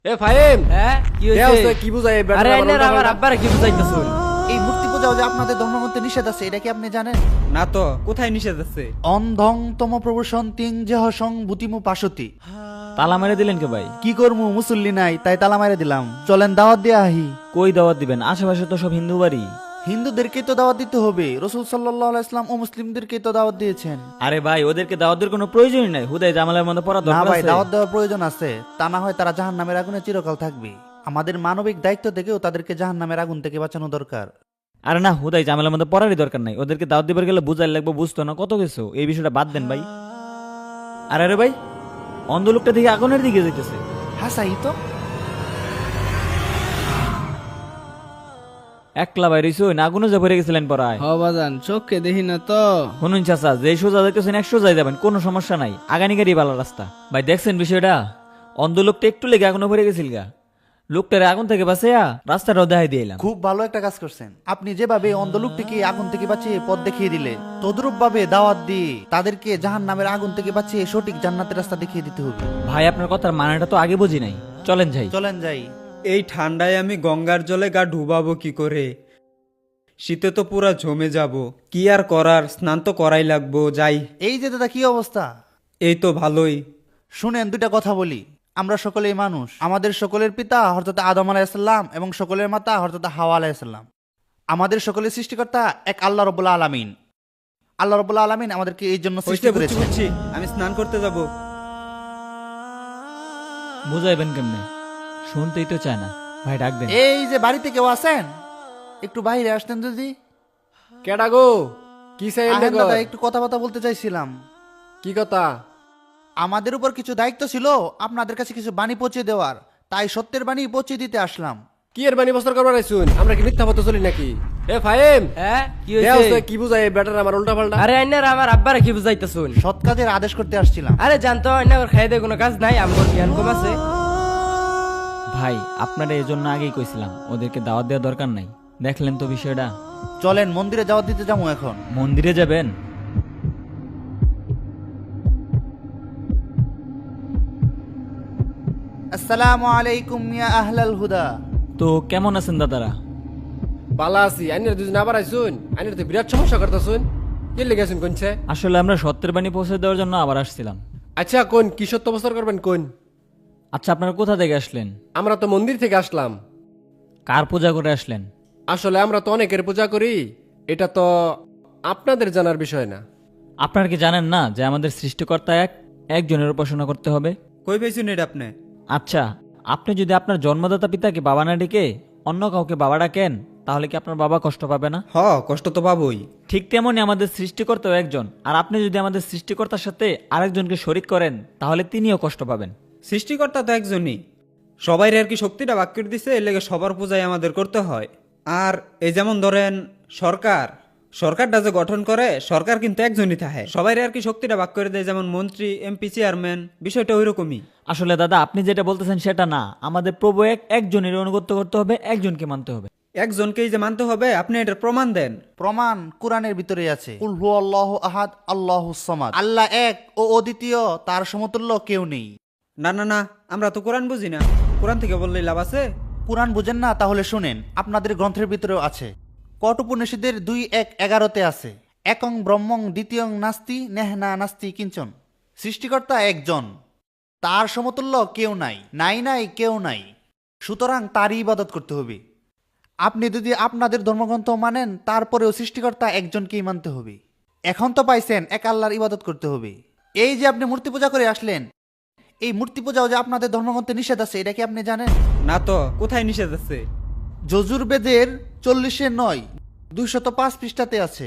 এ ফাহিম, হ্যাঁ কি কে হইছে? আছে? কি বুঝাই এই ব্যাটারা আরে আমার আইনের উল্টা আমার পাল্টা? আব্বারে কি বুঝাইতেছুন? এই মূর্তি পূজাও যে আপনাদের ধর্মগ্রন্থে নিষেধ আছে, এটা কি আপনি জানেন? না তো, কোথায় নিষেধ আছে? অন্ধং তম প্রবসন তিং যেহ সং বুতিমু পাশতি। তালা মেরে দিলেন কে ভাই? কি করমু, মুসল্লি নাই তাই তালা মারে দিলাম। চলেন দাওয়াত দিয়ে আহি। কই দাওয়াত দিবেন? আশেপাশে তো সব হিন্দু বাড়ি। হিন্দুদেরকেই তো দাওয়াত দিতে হবে, রসুল সাল্লাল্লাহু আলাইহি ওয়াসাল্লাম ও মুসলিমদেরকেই তো দাওয়াত দিয়েছেন। আরে ভাই, ওদেরকে দাওয়াত দেওয়ার কোনো প্রয়োজনই নাই। হুদাই জামালের মধ্যে পড়া না দরকার ভাই, আছে? দাওয়াত দেওয়ার প্রয়োজন আছে, তা না হয় তারা জাহান্নামের আগুনে চিরকাল থাকবে। আমাদের মানবিক দায়িত্ব থেকেও তাদেরকে জাহান্নামের আগুন থেকে বাঁচানো দরকার। আরে না, হুদাই জামালের মধ্যে পড়ারই দরকার নাই। ওদেরকে দাওয়াত দিবার গেলে বুঝাই লাগবে, বুঝতো না কত কিছু। এই বিষয়টা বাদ দেন ভাই। আরে ভাই, অন্ধ লোকটা দিকে আগুনের দিকে যাইতেছে। হ্যাঁ সাই তো। একলা বাইরে না আগুনে যা পড়ে গেছিলেন পড়ায়। হ বাজান, চোখকে দেখি না তো। শুনুন চাচা, যে সোজা যাইতেছেন 100 যাই যাবেন, কোনো সমস্যা নাই। আগানি গাড়ি ভালো রাস্তা। ভাই দেখছেন বিষয়টা? অন্ধ লোকটা একটু লেগে আগুনে পড়ে গেছিল গা। লোকটারে আগুন থেকে বাঁচাইয়া রাস্তাটাও দেখাই দিলাম। খুব ভালো একটা কাজ করছেন আপনি। যেভাবে অন্ধ লোকটিকে আগুন থেকে বাঁচিয়ে পথ দেখিয়ে দিলে, তদ্রূপ ভাবে দাওয়াত দিয়ে তাদেরকে জাহান্নামের আগুন থেকে বাঁচিয়ে সঠিক জান্নাতের রাস্তা দেখিয়ে দিতে হবে। ভাই আপনার কথার মানেটা তো আগে বুঝি নাই। চলেন যাই। চলেন যাই। এই ঠান্ডায় আমি গঙ্গার জলে গা ডুবাবো কি করে? শীতে তো পুরা জমে যাব। কি আর করার, স্নান তো করাই লাগবো। যাই। এই যে দাদা, কি অবস্থা? এই তো ভালোই। শুনেন, দুইটা কথা বলি। আমরা সকলেই মানুষ। আমাদের সকলের পিতা হযরত আদম আলাইহিসসালাম এবং সকলের মাতা হযরত হাওয়া আলাইহিসসালাম। আমাদের সকলের সৃষ্টিকর্তা এক আল্লাহ রাব্বুল আলামিন। আল্লাহ রাব্বুল আলামিন আমাদেরকে এই জন্য সৃষ্টি হইছে, বুঝছি করেছেন। বুঝছি। আমি স্নান করতে যাব। বুঝাইবেন কেমনে? শুনতেই তো চায় না। ভাই ডাক দেন। এই যে বাড়িতে কেউ আছেন, একটু বাইরে আসতেন যদি। কেডা গো? কি চাই এনে আহেন গো? দাদা, একটু কথা বলতে চাইছিলাম। কি কথা? আমাদের উপর কিছু দায়িত্ব ছিল আপনাদের কাছে কিছু বাণী পৌঁছে দেওয়ার, তাই সত্যের বাণী পৌঁছে দিতে আসলাম। কি এর বানি বস্তর করবার আইছুন? আমরা কি মিথ্যা পথে চলি নাকি? এ ফাহিম, হ্যাঁ কি কে হইছে? আছে? কি বুঝাই এই ব্যাটারা আমার উল্টা পাল্টা? আরে আইনের আমার আব্বারে কি বুঝাইতেছুন? সৎ কাজের আদেশ করতে আসছিলাম। আরে জানতো আইনার খাই দেয় কোনো কাজ নাই, আমার জ্ঞান কম আছে। ভাই আপনারা এই জন্য আগেই কইছিলাম, ওদেরকে দাওয়াত দেওয়ার দরকার নাই। দেখলেন তো বিষয়টা? চলেন মন্দিরে দাওয়াত দিতে যাবো এখন। মন্দিরে যাবেন? আসসালামু আলাইকুম ইয়া আহলাল হুদা। তো কেমন আছেন দাদারা? বালা আছি। আইনের দুজন আবার আইছুন। আইনের তো বিরাট সমস্যা করতেছুন। কি লেগেছুন কোনছে? আসলে আমরা সত্যের বাণী পৌঁছে দেওয়ার জন্য আবার আসছিলাম। আচ্ছা কোন কি সত্য বস্তর করবেন কোন? আচ্ছা, আপনারা কোথা থেকে আসলেন? আমরা তো মন্দির থেকে আসলাম। কার পূজা করে আসলেন? আসলে আমরা তো অনেকের পূজা করি, এটা তো আপনাদের জানার বিষয় না। আপনারা কি জানেন না যে আমাদের সৃষ্টিকর্তা একজনের উপাসনা করতে হবে? কই পেয়েছুন এটা আপনি? আচ্ছা, আপনি যদি আপনার জন্মদাতা পিতাকে বাবা না ডেকে অন্য কাউকে বাবা ডাকেন, তাহলে কি আপনার বাবা কষ্ট পাবে না? হ, কষ্ট তো পাবোই। ঠিক তেমনি আমাদের সৃষ্টিকর্তাও একজন, আর আপনি যদি আমাদের সৃষ্টিকর্তার সাথে আরেকজনকে শরিক করেন, তাহলে তিনিও কষ্ট পাবেন। সৃষ্টিকর্তা তো একজনই। সবাই আর কি শক্তিটা ভাগ করে দিছে, এর লেগে সবার পূজাই আমাদের করতে হয়। আর এই যেমন ধরেন সরকারটা যে গঠন করে, সরকার কিন্তু একজনই থাকে। সবাই আর কি শক্তিটা ভাগ করে দেয়, যেমন মন্ত্রী, এমপি, চেয়ারম্যান। বিষয়টা ওই রকমই। আসলে দাদা, আপনি যেটা বলতেছেন সেটা না। আমাদের প্রভু একজনের অনুগত করতে হবে, একজনকে মানতে হবে। একজনকেই যে মানতে হবে, আপনি এটার প্রমাণ দেন। প্রমাণ কোরআনের ভিতরে আছে। কুল হুয়াল্লাহু আহাদ আল্লাহুস সামাদ। আল্লাহ এক ও অদ্বিতীয়, তার সমতুল্য কেউ নেই। না না না, আমরা তো কোরআন বুঝি না। কোরআন থেকে বললেই লাভ আছে? কোরআন বুঝেন না? তাহলে শুনেন, আপনাদের গ্রন্থের ভিতরেও আছে। কঠোপনিষদের 2:11 আছে, একং ব্রহ্মং দ্বিতীয়ং নাস্তি নেহনা নাস্তি কিঞ্চন। সৃষ্টিকর্তা একজন, তার সমতুল্য কেউ নাই, নাই নাই কেউ নাই। সুতরাং তারই ইবাদত করতে হবে। আপনি যদি আপনাদের ধর্মগ্রন্থ মানেন, তারপরেও সৃষ্টিকর্তা একজনকেই মানতে হবে। এখন তো পাইছেন এক আল্লাহর ইবাদত করতে হবে। এই যে আপনি মূর্তি পূজা করে আসলেন, এই মূর্তি পূজাও যে আপনাদের ধর্মগ্রন্থে নিষেধ আছে, এটা কি আপনি জানেন? না তো, কোথায় নিষেধ আছে? যজুর্বেদের 40-9 205 পৃষ্ঠাতে আছে।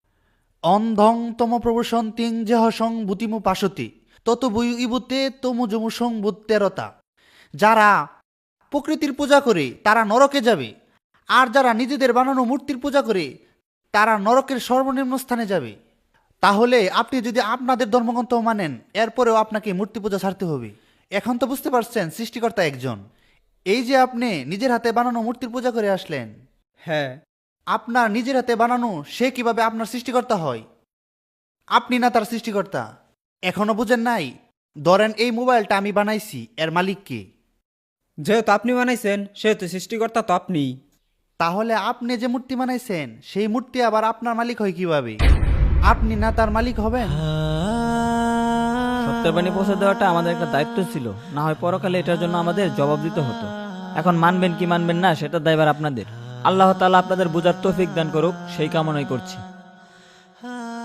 অন্ধং তম প্রবসন তিং যেহ সং বুতিমু পাশতি তত বই ইবুতে তমু জমু সং বুত্তেরতা। যারা প্রকৃতির পূজা করে তারা নরকে যাবে, আর যারা নিজেদের বানানো মূর্তির পূজা করে তারা নরকের সর্বনিম্ন স্থানে যাবে। তাহলে আপনি যদি আপনাদের ধর্মগ্রন্থ মানেন, এরপরেও আপনাকে মূর্তি পূজা ছাড়তে হবে। এখন তো বুঝতে পারছেন সৃষ্টিকর্তা একজন। এই যে আপনি নিজের হাতে বানানো মূর্তির পূজা করে আসলেন, হ্যাঁ। আপনার নিজের হাতে বানানো সে কিভাবে আপনার সৃষ্টিকর্তা হয়? আপনি না তার সৃষ্টিকর্তা। এখনো বুঝেন নাই? ধরেন এই মোবাইলটা আমি বানাইছি, এর মালিক কে? যেহেতু আপনি বানাইছেন সেহেতু সৃষ্টিকর্তা তো আপনি। তাহলে আপনি যে মূর্তি বানাইছেন সেই মূর্তি আবার আপনার মালিক হয় কিভাবে? আপনি না তার মালিক হবেন? সত্যের বাণী পৌঁছে দেওয়াটা আমাদের একটা দায়িত্ব ছিল, না হয় পরকালে এটার জন্য আমাদের জবাব দিতে হতো। এখন মানবেন কি মানবেন না সেটা দায়ভার আপনাদের। আল্লাহ তাআলা আপনাদের বুঝার তৌফিক দান করুক, সেই কামনাই করছি।